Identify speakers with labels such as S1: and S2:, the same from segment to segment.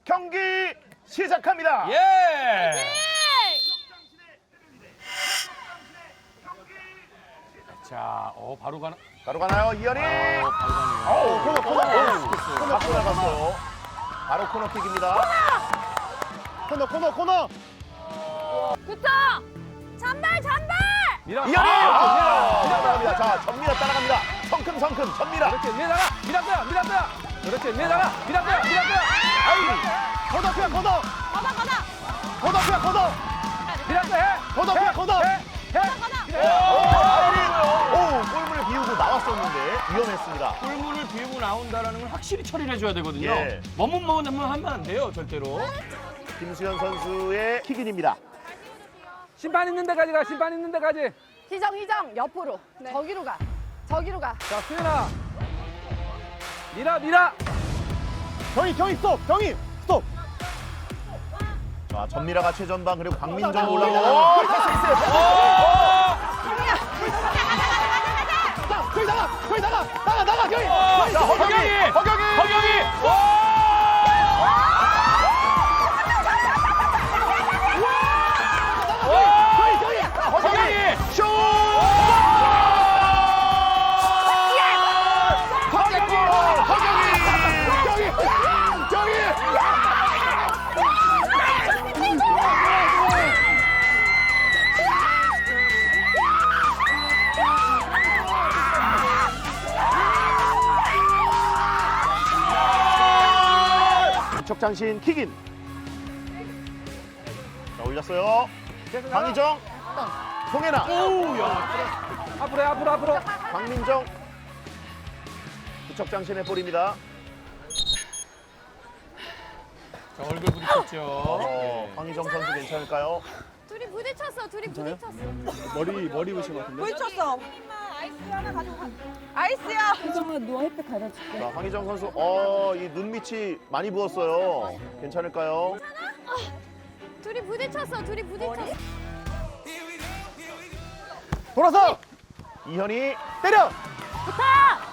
S1: 경기 시작합니다.
S2: 예. 자, 바로 가나?
S1: 바로 가나요, 이현이?
S2: 바로 가네요.
S1: 코너 나갔어요. 바로 코너킥입니다. 코너.
S3: 붙어! 잔발!
S2: 미라.
S1: 이현이! 따라갑니다. 자, 전미라 따라갑니다. 성큼, 전미라.
S2: 그렇지, 미라거야. 그렇지, 미라거야.
S1: 아이, 걷어.
S3: 걷어!
S2: 미라거 해.
S1: 골문을 비우고 나왔었는데 위험했습니다.
S2: 골문을 비우고 나온다라는 걸 확실히 처리를 해줘야 되거든요.
S1: 예.
S2: 머뭇머뭇하면 하면 안 돼요, 절대로.
S1: 김수현 선수의 킥인입니다.
S4: 심판 있는 데까지 가, 심판 있는 데까지.
S3: 희정, 옆으로. 저기로 가.
S4: 자, 수현아. 미라.
S5: 경희 스톱.
S1: 자, 전미라가 최전방 그리고 광민정 올라오고.
S5: 경희 나가 경희.
S1: 자, 허경이. 허경이 슛! 척장신 킥인. 자, 올렸어요. 강희정, 송혜나,
S4: 앞으로.
S1: 박민정. 부척장신의 볼입니다.
S2: 자, 얼굴 부딪혔죠.
S1: 황희정 선수 괜찮을까요?
S3: 둘이 부딪혔어.
S5: 머리 부신 것 같은데.
S6: 부딪혔어. 아이스야.
S1: 자, 황희정 선수, 이 눈밑이 많이 부었어요. 괜찮을까요?
S3: 둘이 부딪혔어.
S5: 돌아서.
S1: 이현이 때려!
S3: 붙어!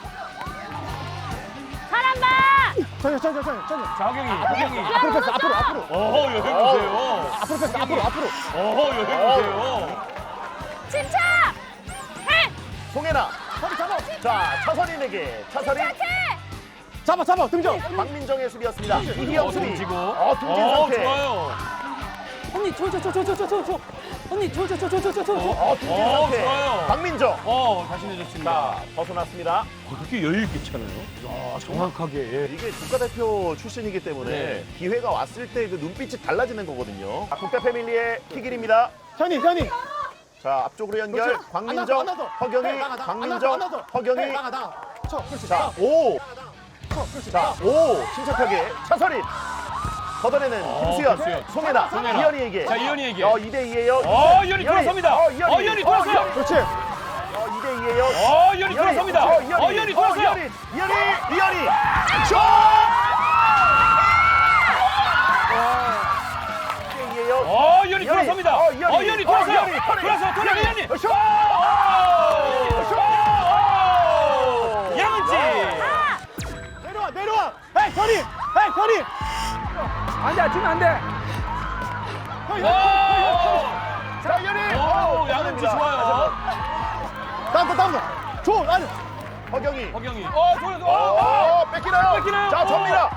S3: 사람 봐!
S5: 천천히.
S2: 자, 허경이.
S5: 앞으로 패스, 앞으로.
S2: 여기 보세요.
S5: 앞으로 패스, 앞으로.
S2: 여기 보세요.
S3: 침착! 해!
S1: 송혜나. 자, 차선인에게. 차선인.
S5: 잡아, 등정.
S1: 박민정의 수비였습니다. 이희영 수비.
S2: 던지고.
S1: 등진 상태.
S2: 좋아요.
S4: 언니, 저. 언니, 저.
S1: 등진 상태.
S2: 좋아요.
S1: 박민정.
S2: 다시 내줬습니다.
S1: 자, 벗어났습니다.
S2: 그렇게 여유 있게 차네요. 야, 정확하게.
S1: 이게 국가대표 출신이기 때문에
S2: 네.
S1: 기회가 왔을 때 그 눈빛이 달라지는 거거든요. 국대 패밀리의 킥인입니다.
S5: 현이.
S1: 자, 앞쪽으로 연결.
S5: 그렇죠.
S1: 광민정,
S5: 안 나서.
S1: 허경이,
S5: 나가.
S1: 광민정,
S5: 안 나서.
S1: 허경이.
S5: 나가. 쳐, 그렇지.
S1: 자, 자, 침착하게. 차선인. 걷어내는 김수현,
S2: 김수현.
S1: 송혜나, 이현이에게.
S2: 자, 이현이에게.
S1: 2대2예요.
S2: 이현이 돌아섭니다. 이현이 돌아서요.
S5: 그렇지.
S1: 2대2예요.
S2: 이현이 돌아섭니다. 이현이 돌아서요.
S1: 이현이. 슛! 2대2예요.
S2: 이현이 돌아섭니다. 이현이 돌아서요. 돌아서, 이현이.
S1: 슛!
S2: 양은지.
S5: 내려와. 에이, 현이.
S4: 안 돼, 주면 안 돼.
S1: 자, 이현이.
S2: 양은지 좋아요.
S5: 다음 거. 줘, 아니.
S1: 허경이.
S2: 좋아요.
S1: 뺏기나요? 자, 전미라.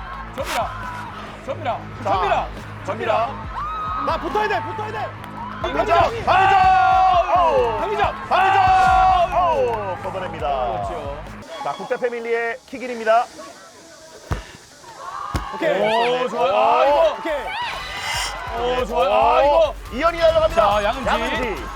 S1: 전미라.
S5: 나 붙어야 돼.
S1: 박민정. 걷어냅니다.
S2: 그렇죠.
S1: 자, 국대 패밀리의 킥인입니다.
S5: 오케이.
S2: 좋아요.
S5: 오케이.
S2: 좋아요. 이거.
S1: 이현이 날아갑니다.
S2: 자, 양은지.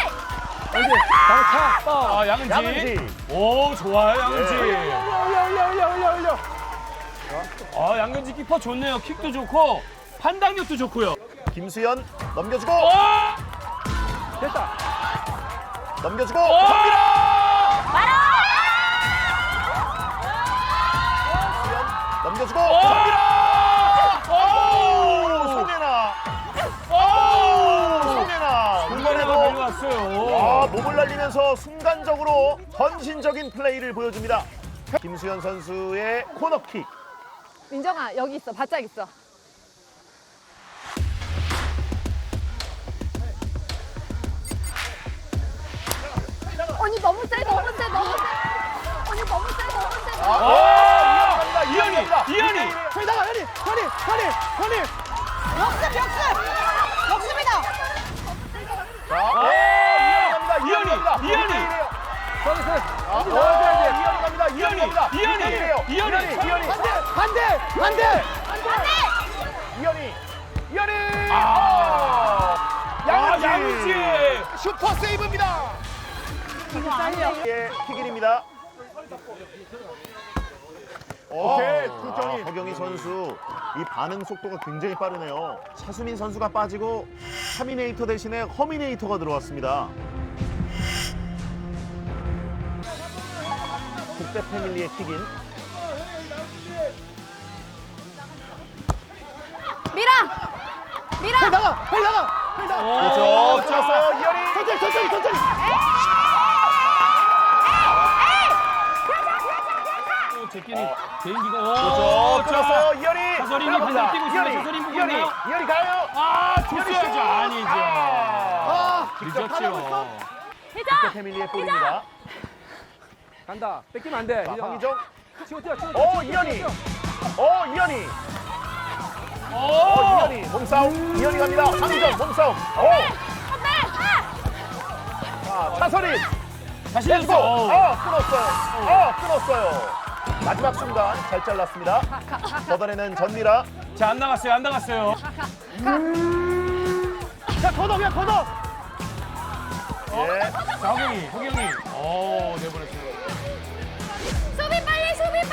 S2: 양은지.
S1: 양은지.
S2: 좋아요, 양은지.
S5: 올려.
S2: 양은지 키퍼 좋네요. 킥도 좋고, 판단력도 좋고요.
S1: 김수현 넘겨주고.
S4: 됐다.
S1: 넘겨주고. 전미라. 김수현 넘겨주고. 전미라. 송혜나.
S2: 중간에도 달려왔어요.
S1: 몸을 날리면서 순간적으로 헌신적인 플레이를 보여줍니다. 김수현 선수의 코너킥.
S3: 민정아, 여기 있어. 바짝 있어. 언니 너무 세, 너무 세, 너무 세. 언니 너무 세, 너무 세. 너무 세.
S2: 이현이, 이현이.
S5: 저기 나가, 현이.
S3: 역습이다.
S2: 이현이.
S4: 서비스.
S1: 이현이 갑니다. 이현이 갑니다.
S2: 이현이.
S5: 반대.
S1: 이현이.
S2: 양은지.
S1: 슈퍼 세이브입니다. 예, 킥인입니다.
S5: 오케이, 국정이.
S1: 허경희 선수 이 반응 속도가 굉장히 빠르네요. 차수민 선수가 빠지고 타미네이터 대신에 허미네이터가 들어왔습니다. 국대 패밀리의 킥인.
S3: 미라.
S5: 나가.
S1: 그렇죠. 들었어요. 이현이.
S5: 천천히.
S2: 제끼니 개인기가.
S1: 그렇죠. 들었어요. 이현이.
S2: 차서린이 반대로 뛰고 있습니다. 차서린 보고 있나요?
S1: 이현이 가요.
S2: 줬어야죠. 아니죠. 늦었죠.
S1: 국대 패밀리의 볼입니다.
S4: 간다. 뺏기면 안 돼.
S1: 자,
S4: 희정아.
S1: 황희정.
S4: 치고.
S1: 이현이. 이현이 몸싸움. 이현이 갑니다. 황희정 몸싸움. 자, 차서린.
S2: 다시
S1: 렛츠고.
S2: 해주세요.
S1: 끊었어요. 마지막 순간 잘 잘랐습니다. 걷어내는 전미라.
S2: 자, 안 나갔어요.
S5: 자, 걷어.
S1: 예.
S2: 자, 허경이. 내보냈어요.
S3: 수비 빨리.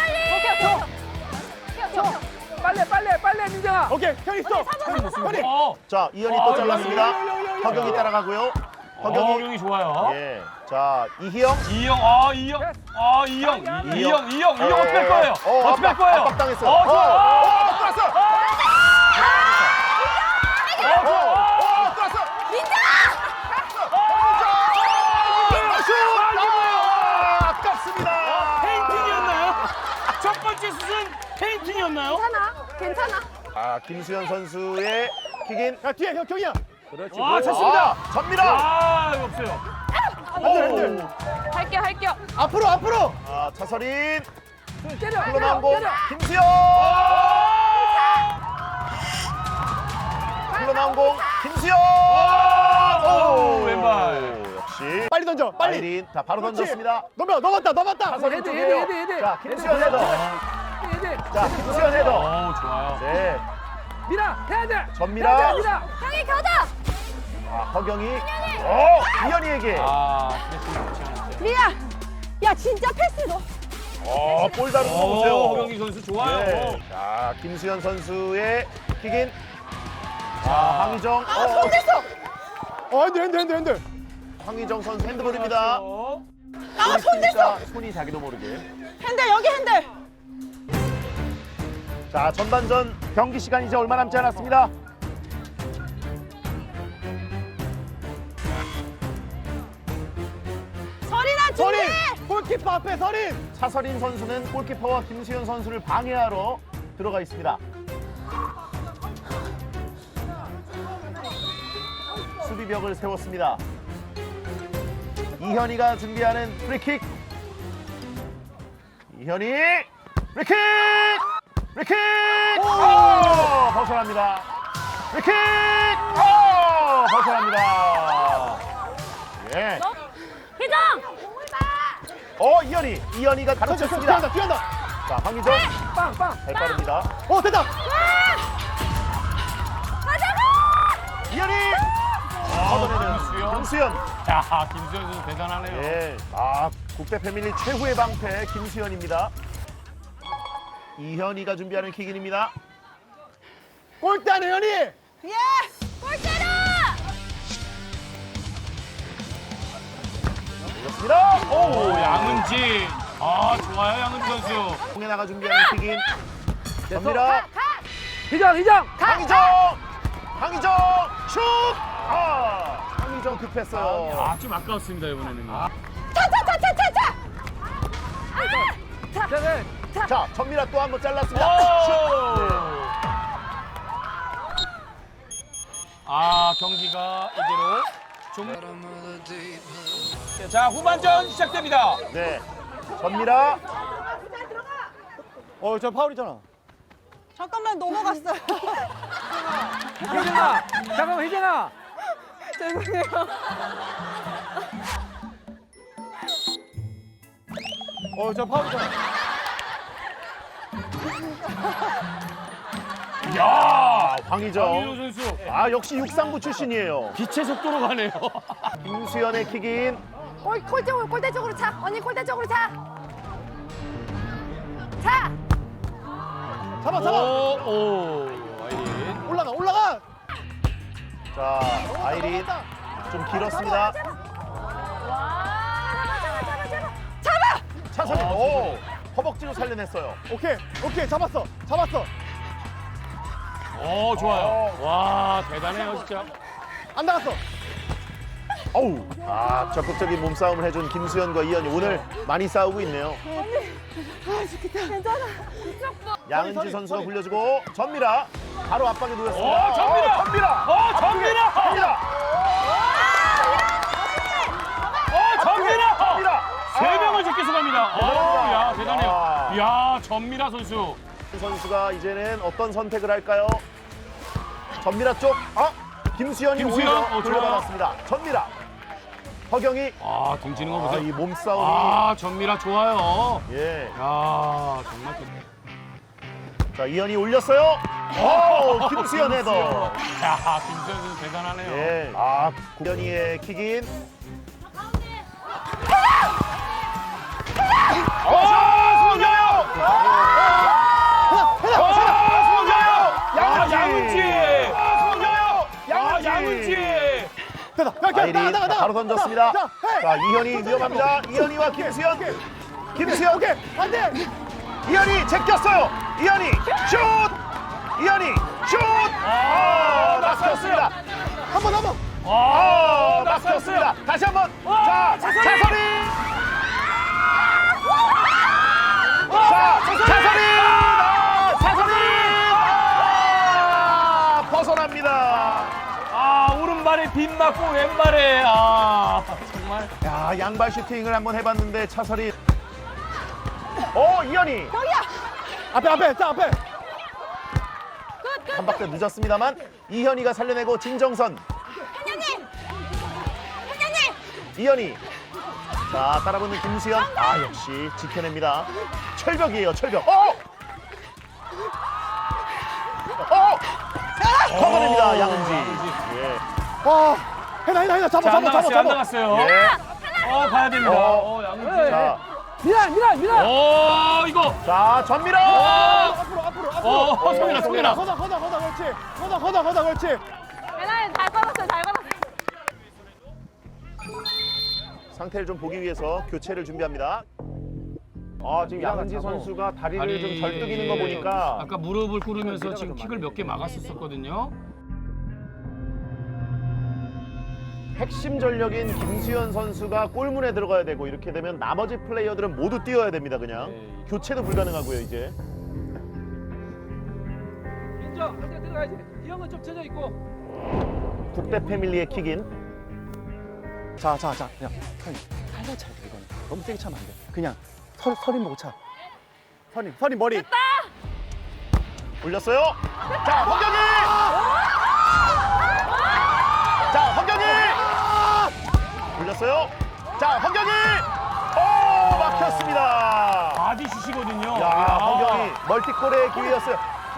S4: 빨리 민정아.
S5: 오케이, 형 있어. 현이.
S1: 자, 이현이 또 잘랐습니다. 허경이 따라가고요. 허경이.
S2: 허경이 좋아요.
S1: 예. 자, 이희영.
S2: 이영 어떻게 할 거예요? 어떻게 할 거예요?
S1: 압박당했어요.
S2: 좋아.
S1: 들어왔어. 들어왔어. 슛! 아깝습니다.
S2: 페인팅이었나요? 첫 번째 슛은 페인팅이었나요?
S3: 괜찮아.
S1: 김수현 선수의 킥인.
S5: 야, 뒤에 경이야.
S4: 그렇지.
S2: 와, 찼습니다.
S1: 전미라.
S2: 이거 없어요.
S5: 핸들.
S3: 할게요.
S5: 앞으로.
S1: 차서린.
S4: 때려.
S1: 흘러나온 공. 김수현. 흘러나온 공. 김수현.
S2: 오, 왼발.
S1: 역시.
S5: 빨리 던져. 빨리.
S1: 아이린. 자, 바로
S5: 그렇지.
S1: 던졌습니다.
S5: 넘었다.
S1: 차서린
S4: 헤드.
S1: 쪽이에요. 자, 김수현 헤더. 자, 김수현 헤더.
S2: 좋아요.
S1: 네.
S4: 미라 해야 돼.
S1: 전미라.
S4: 미라.
S3: 형이 걷어.
S1: 허경이. 이현이에게.
S2: 그랬으면 좋지 않았어요.
S3: 미라. 야 진짜 패스 너.
S1: 볼 다루는 거 보세요.
S2: 허경이 선수 좋아요.
S1: 네. 자, 김수현 선수의 킥인. 황희정.
S5: 핸들.
S1: 황희정 선수 핸드볼입니다.
S3: 손댔어.
S1: 손이 자기도 모르게.
S3: 핸들 여기 핸들.
S1: 자, 전반전 경기 시간 이제 얼마 남지 않았습니다.
S3: 서린아 준비.
S5: 서린. 골키퍼 앞에 서린.
S1: 차서린 선수는 골키퍼와 김수현 선수를 방해하러 들어가 있습니다. 수비벽을 세웠습니다. 이현이가 준비하는 프리킥. 이현이 프리킥! 프리킥! 벗어납니다. 프리킥! 벗어납니다. 예.
S3: 희정.
S1: 이현이가 가로챘습니다.
S5: 뛰어간다.
S1: 자, 황희정
S4: 빵.
S1: 잘 빠릅니다.
S5: 됐다.
S1: 이현이 걷어내는 김수현.
S2: 야, 김수현 선수 대단하네요.
S1: 예. 국대 패밀리 최후의 방패 김수현입니다. 이현이가 준비하는 킥인입니다.
S5: 골대네 현이.
S3: 예. 골대로.
S1: 그렇습니다.
S2: 오, 양은지. 좋아요, 양은지 선수.
S1: 홍해나가 준비하는 킥인. 전미라.
S4: 희정.
S1: 황희정 슛! 황희정 급했어요.
S2: 좀 아까웠습니다, 이번에는.
S4: 자,
S1: 자, 전미라 또 한 번 잘랐습니다.
S2: 경기가 이대로 자, 후반전 시작됩니다.
S1: 네. 전미라.
S5: 저 파울이잖아.
S3: 잠깐만 넘어갔어요.
S4: 혜정아, 잠깐만 혜정아.
S3: 죄송해요.
S5: 저 파울이잖아.
S2: 야,
S1: 황희정.
S2: 선수.
S1: 아, 역시 육상부 출신이에요.
S2: 빛의 속도로 가네요.
S1: 김수현의 킥인.
S3: 골대 쪽으로 차. 언니 골대 쪽으로 차. 차.
S5: 잡아.
S2: 오, 아이린.
S5: 올라가.
S1: 자, 아이린. 좀 길었습니다.
S3: 잡아.
S1: 차선이. 오. 허벅지로 살려냈어요.
S5: 오케이. 잡았어.
S2: 오, 좋아요. 와, 대단해요, 진짜.
S5: 안 나갔어.
S1: 어우. 아, 적극적인 몸싸움을 해준 김수현과 이현이 오늘 많이 싸우고 있네요.
S3: 괜찮아.
S1: 양은지 선수가 굴려주고 전미라 바로 압박에 놓였습니다.
S2: 오, 전미라!
S1: 전미라!
S2: 전미라!
S1: 전미라!
S2: 전미라!
S1: 전미라!
S2: 세 명을 제껴서 갑니다. 오, 야, 대단해요.
S1: 아.
S2: 야, 전미라 선수.
S1: 선수가 이제는 어떤 선택을 할까요? 전미라 쪽. 김수현이
S2: 김수현?
S1: 오히려 돌려받았습니다. 전미라. 허경이.
S2: 아, 등지는 거 보세요.
S1: 이 몸싸움이.
S2: 아, 전미라 좋아요.
S1: 예.
S2: 야, 정말.
S1: 자, 이현이 올렸어요. 오, 김수현 헤더.
S2: 야, 김수현 선수 대단하네요.
S1: 예. 아, 구현이의 킥인. 송여요!
S2: 양은지!
S1: 송여요!
S2: 양은지!
S5: 됐다.
S1: 아이린
S5: 나가.
S1: 바로 던졌습니다.
S5: 자, 헤이.
S1: 자, 이현이 위험합니다. 이현이와 김수현. 김수현.
S5: 오케이. 안 돼.
S1: 이현이 제꼈어요. 이현이 슛! 이현이 슛! 막혔습니다.
S5: 한 번.
S1: 막혔습니다. 다시 한번. 자, 차선이. 자, 차선이. 벗어납니다.
S2: 아, 오른발에 빗 맞고 왼발에 정말.
S1: 야, 양발 슈팅을 한번 해봤는데 차설이. 이현이.
S5: 앞에. 자, 앞에.
S1: 한 박자 늦었습니다만 이현이가 살려내고 진정선. 이현이. 자, 따라붙는 김수현. 역시 지켜냅니다. 철벽이에요, 철벽. 커버냅니다, 양은지. 예.
S5: 해나.
S2: 자, 안 나갔어요. 안
S5: 잡아.
S2: 나갔어요.
S1: 예.
S2: 봐야 됩니다. 양은지.
S1: 자,
S4: 미라.
S2: 이거.
S1: 자, 전미라.
S5: 앞으로.
S2: 성민아.
S5: 걷어, 그렇지.
S3: 잘 걸었어요.
S1: 상태를 좀 보기 위해서 교체를 준비합니다. 지금 양은지 선수가 다리를 좀 절뚝이는 거 보니까
S2: 아까 무릎을 꿇으면서 지금 킥을 몇 개 막았었거든요.
S1: 핵심 전력인 김수현 선수가 골문에 들어가야 되고 이렇게 되면 나머지 플레이어들은 모두 뛰어야 됩니다. 그냥 교체도 불가능하고요. 이제
S4: 인정. 할때 들어가야지. 이 형은 좀 쳐져 있고.
S1: 국대 패밀리의 킥인.
S5: 자. 그냥 살살 차야 돼, 이거는. 너무 세게 차면 안 돼. 그냥 서린 보고 차. 서린 머리.
S1: 올렸어요. 자, 허경이. 자, 허경이. 올렸어요. 자, 허경이. 막혔습니다.
S2: 바디슛이거든요.
S1: 야, 허경이 멀티골의 기회였어요.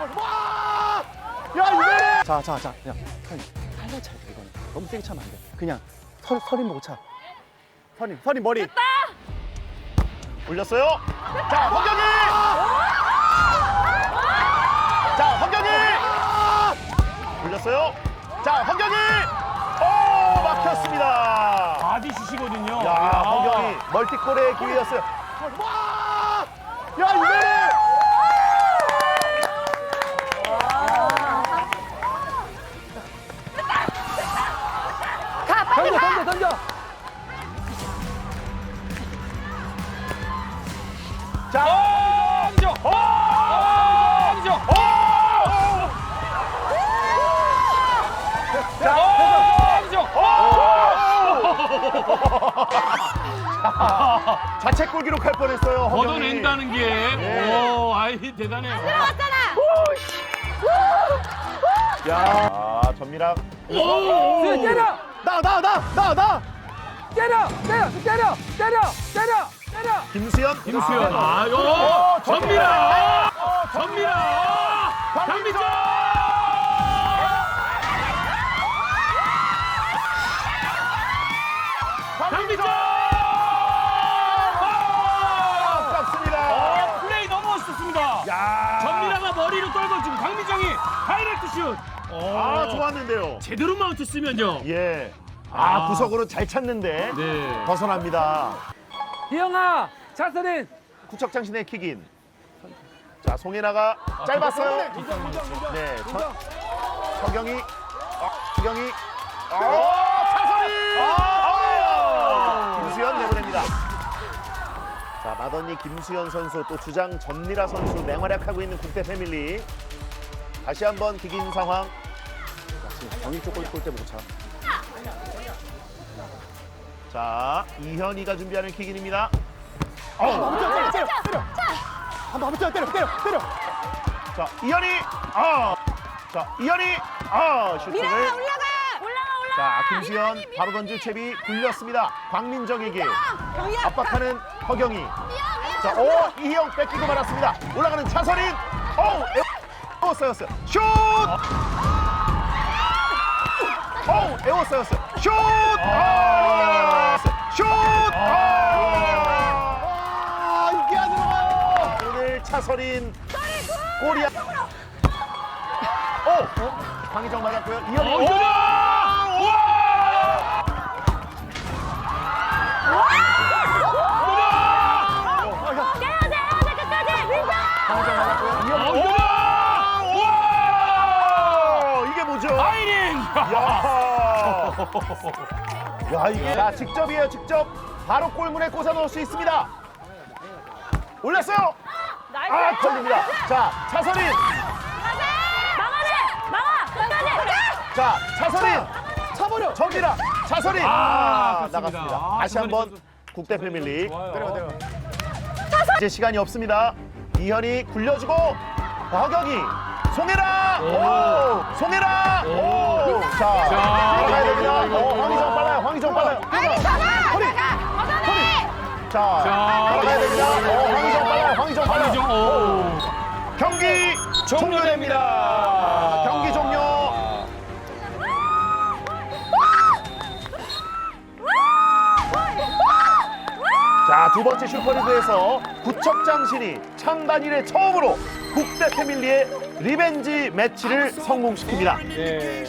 S5: 야, 이거는. 자. 그냥 살살 차야 돼, 이거는. 너무 세게 차면 안 돼. 그냥 서린 보고 차. 서린 머리.
S1: 올렸어요. 자, 허경이. 자, 허경이. 올렸어요. 자, 허경이. 막혔습니다.
S2: 바디슛이거든요.
S1: 야, 허경이 멀티골의 기회였어요.
S5: 야, 이거는.
S4: 던져.
S1: 자,
S2: 아니죠. 아니죠.
S1: 자,
S2: 아니죠.
S1: 선제골 기록할 뻔했어요. 허경이.
S2: 걷어낸다는 게.
S1: 네.
S2: 오, 아이 대단해.
S3: 들어갔잖아.
S1: 야, 전미랑.
S4: 수현 때려.
S5: 나. 때려.
S1: 김수현.
S2: 김수현.
S1: 아,
S2: 아유. 전미라. 전미라. 강민정. 강민정.
S1: 아깝습니다.
S2: 플레이 너무 멋있었습니다.
S1: 야.
S2: 전미라가 머리를 떨고 지금 강민정이 다이렉트 슛.
S1: 아, 좋았는데요.
S2: 제대로 마운트 쓰면요.
S1: 예.
S2: 아.
S1: 구석으로 잘 찼는데
S2: 네.
S1: 벗어납니다.
S4: 이영아, 차선인.
S1: 구척장신의 킥인. 자, 송혜나가 짧았어요. 네, 서경이. 서경이. 차선이. 김수현 내보냅니다. 자, 마더니 김수현 선수 또 주장 전미라 선수 맹활약하고 있는 국대 패밀리. 다시 한번 킥인 상황.
S5: 지금 경기 쪽 골 때 못 차.
S1: 자, 이현이가 준비하는 킥인입니다.
S5: 때려. 한번 때려.
S1: 자, 이현이. 자, 이현이. 슈팅을.
S3: 올라가.
S1: 자, 김수현 바로 던질 채비 굴렸습니다. 광민정에게
S3: 경희야.
S1: 압박하는 허경이. 자, 이희영 뺏기고 말았습니다. 올라가는 차선인. 에워싸였어요. 슛! 에워싸였어요. 슛! 슛!
S5: 이게 안 들어가요.
S1: 오늘 차선인 골이야. 황희정 맞았고요. 이현이. 황희정 맞았고요. 이게 뭐죠?
S2: 아이린.
S1: 야, 이게 자, 직접이에요. 직접 바로 골문에 꽂아 넣을 수 있습니다. 올렸어요. 걸립니다. 자, 차선인. 자, 차선인.
S5: 차버려.
S1: 전기라. 차선인.
S2: 아깝습니다.
S1: 나갔습니다. 다시 한번
S2: 차선인
S1: 국대 패밀리.
S2: 좋아요.
S1: 이제 시간이 없습니다. 이현이 굴려주고 허경이. 송혜라. 송혜라. 자, 들어가야 됩니다. 황희정 빨라요. 황희정 빨라요. 자, 들어가야 됩니다. 황희정 빨라요. 황희정 빨라요.
S2: 황희정.
S1: 경기 종료됩니다. 경기 종료. 자, 두 번째 슈퍼리그에서 구척장신이 창단 이래 처음으로 국대 패밀리의 리벤지 매치를 성공시킵니다.
S4: 네.